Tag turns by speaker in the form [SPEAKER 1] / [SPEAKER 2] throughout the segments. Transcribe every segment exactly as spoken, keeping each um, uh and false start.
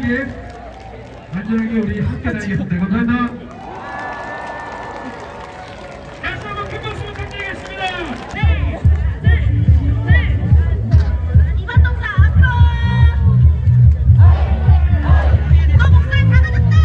[SPEAKER 1] 안전하게 안전하게 우리 함께 다니겠습니다. 감사합니다. 다시 한번 큰 박수 부탁드리겠습니다. 네, 네, 네. 이번 동사 앞으로. 너 목소리 작아졌다.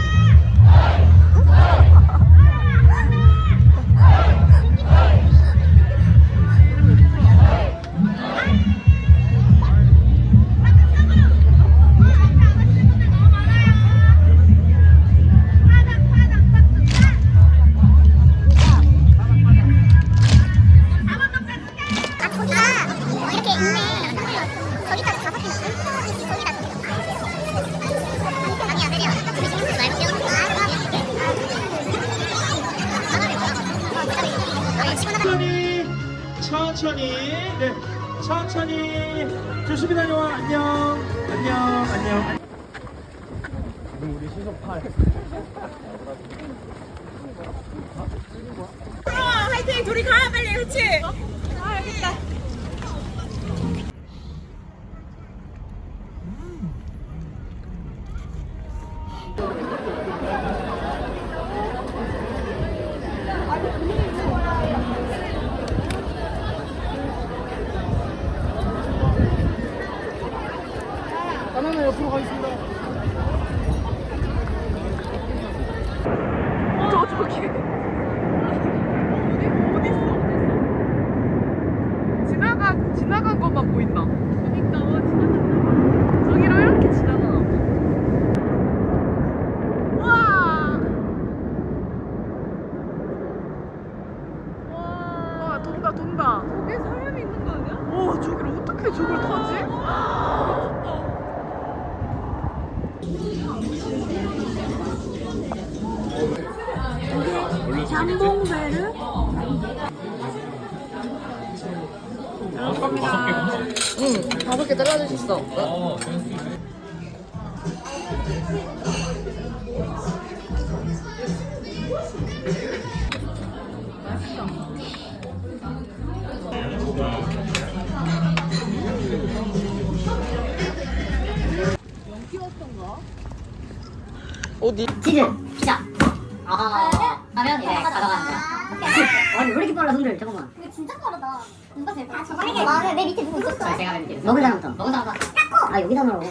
[SPEAKER 2] 천천히 천천히 네 천천히 조심히 다녀와. 안녕 안녕 안녕. 지금 우리 시속 팔.
[SPEAKER 3] 화이팅! 둘이 가 빨리. 그렇지? 아 알겠다.
[SPEAKER 2] 바나나 옆으로 가겠습니다.
[SPEAKER 3] 저 저기 어디 어디 있어? 지나가 지나간 것만 보인다. 그러니까 어 지나갔나? 저기로 이렇게 지나가. 와. 와 돈다 돈다. 저기 사람이 있는 거 아니야? 오 저기를 어떻게 저걸 타지? 잠봉배를 응 다섯 개 잘라주셨어. 어디?
[SPEAKER 4] 치즈, 피자. 아, 하면 이제 가져가는 거야. 아니, 왜 이렇게 빨라, 손들? 잠깐만.
[SPEAKER 5] 이거 진짜 빠르다. 누가 제일 빠르다. 만약에 나는 내 밑에 누구 있었어?
[SPEAKER 4] 자, 제가 맨 밑에. 먹은 사람부터. 먹은 사람부터. 아, 여기다 넣어.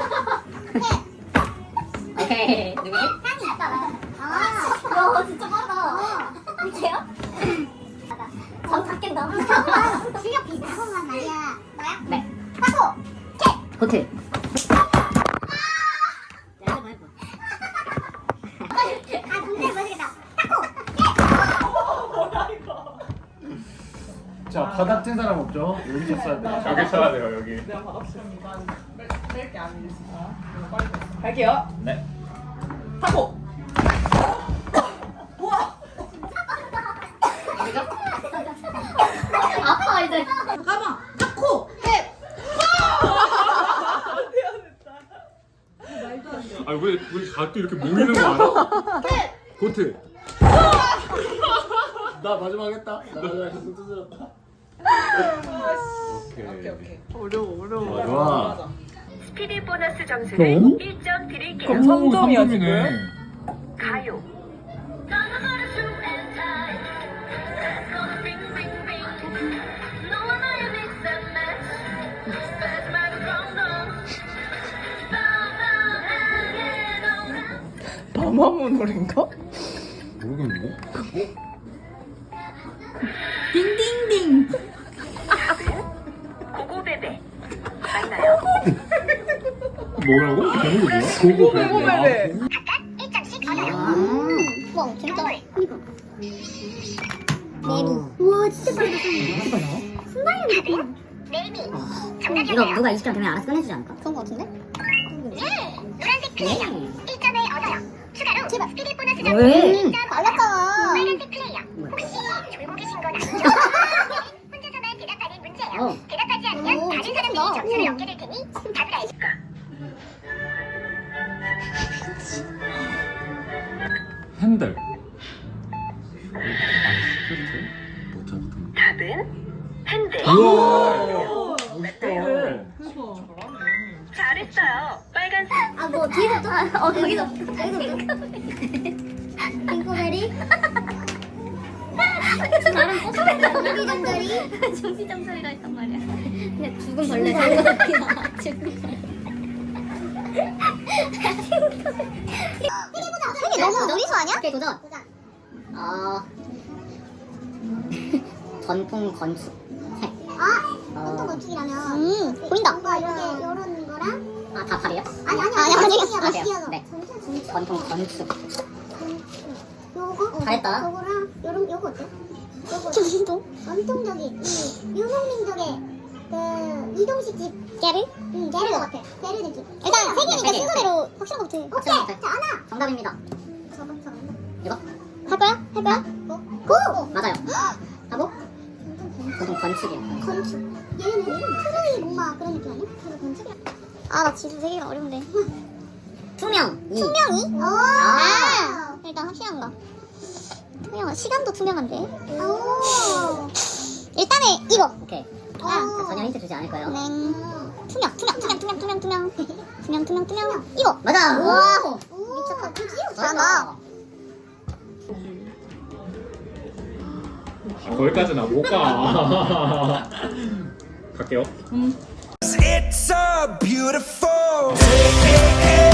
[SPEAKER 4] 오케이. 누구지?
[SPEAKER 5] 향이 있다, 나. 아, 야, 진짜 빠르다. 이게요? 전 닦겠다. 실력 비슷한 것만 말이야. 나야?
[SPEAKER 4] 네.
[SPEAKER 5] 타코! 캐!
[SPEAKER 4] 고트.
[SPEAKER 5] 아, 동생 모르겠다. 타코!
[SPEAKER 2] 자 바닥 찐 사람 없죠? 여기 쳤어야 돼.
[SPEAKER 6] 여기 쳐야 돼요 여기.
[SPEAKER 3] 내가 받았습니다. 뺄게 아니겠습니다. 갈게요.
[SPEAKER 6] 네.
[SPEAKER 3] 타고.
[SPEAKER 4] 아파, 이제.
[SPEAKER 3] 잠깐만. 타코. 해.
[SPEAKER 6] 아왜 우리 가또 이렇게 모이는 거 알아? 고트.
[SPEAKER 2] 나 마지막 했다. 나 마지막 했어. 뚜드렸다.
[SPEAKER 6] 오케이.
[SPEAKER 3] 오케이. 어려워 어려워.
[SPEAKER 2] 좋아, 좋아.
[SPEAKER 7] 스피디 보너스 점수는 일 점 드릴게요.
[SPEAKER 3] 그럼 삼 점이야
[SPEAKER 6] 삼 점이네.
[SPEAKER 3] 지금.
[SPEAKER 7] 가요.
[SPEAKER 3] 마마무 노래인가?
[SPEAKER 6] 모르겠는데?
[SPEAKER 4] 딩딩딩.
[SPEAKER 7] 고고베베 맞나요?
[SPEAKER 6] 뭐라고? 제목이 뭐야? 고고 베베.
[SPEAKER 3] 고고베베.
[SPEAKER 5] 각각 일 점씩 얻어요.
[SPEAKER 4] 아.
[SPEAKER 5] 와, 진짜. 그니까.
[SPEAKER 4] 매미.
[SPEAKER 5] 우와, 진짜 빠르다.
[SPEAKER 4] 진짜 빨라.
[SPEAKER 5] 순발력이 네이미.
[SPEAKER 4] 이거
[SPEAKER 5] 정답이었네요.
[SPEAKER 4] 누가 이십 점 되면 알아서 끝내주지 않을까?
[SPEAKER 5] 그런 거 같은데? 예! 노란색 플레이어.
[SPEAKER 4] 네.
[SPEAKER 5] 일 점을 얻어요. 추가로 스피드 보너스 점수
[SPEAKER 4] 왜?
[SPEAKER 5] 일 점 빨랐잖아. 빨간색 플레이어. 혹시 졸고 계신 건 아니죠? 혼자서만 대답하는 문제예요.
[SPEAKER 4] 어.
[SPEAKER 5] 대답하지 않으면
[SPEAKER 4] 오,
[SPEAKER 5] 다른 사람들이
[SPEAKER 4] 진짜
[SPEAKER 5] 점수를
[SPEAKER 4] 응.
[SPEAKER 5] 얻게 될 테니 답을 알실까?
[SPEAKER 6] 핸들. 아, 스크트? 못하거든.
[SPEAKER 7] 답은 핸들.
[SPEAKER 6] 우와.
[SPEAKER 3] 멋있다.
[SPEAKER 7] 잘했어요. 빨간
[SPEAKER 5] 아, 뭐 뒤에서 또? 어, 거기서. 거기서 핑크베리? 나랑 조기잠자리? 조기잠자리라 했단 말이야. 그냥 죽은 벌레 저거 같기나. 죽은 벌레. 세개 너무 노리수 아니야? 오케이, 도전. 어... 전통 건축. 아, 전통 건축이라면. 음, 보인다. 뭔가 이렇게 이런 거랑. 아, 다 팔이에요? 아니, 아니, 아니, 아니, 아니, 아니. 네. 전통 건축. 요거? 잘했다. 요거랑 요런 요거 어때? 요거. 전통? 전통적인 이 유목민족의 그 이동식 집. 게르? 응, 게르 같아. 게르 느낌. 일단 세 개니까 순서대로 확실한 거부터. 오케이. 자, 하나. 정답입니다. 저거 저거. 이거? 할 거야? 할 거야? 고! 맞아요. 하고? 전통 건축이에요. 건축. 얘는 트로이 목마 그런 느낌 아니야? 그래서 건축이야. 아, 나 지수 세 개가 어려운데. 투명이. 투명이? 아. 일단 확실한 거. 투명한 시간도 투명한데. 오. 일단은 이거. 오케이. 아, 전혀 힌트 주지 않을 거예요. 네. 투명, 투명, 투명, 투명, 투명, 투명, 투명, 투명, 투명. 이거. 맞아. 와. 미쳤다. 잘한다.
[SPEAKER 6] 아, 거기까지는 못 가. 갈게요.
[SPEAKER 8] It's so beautiful.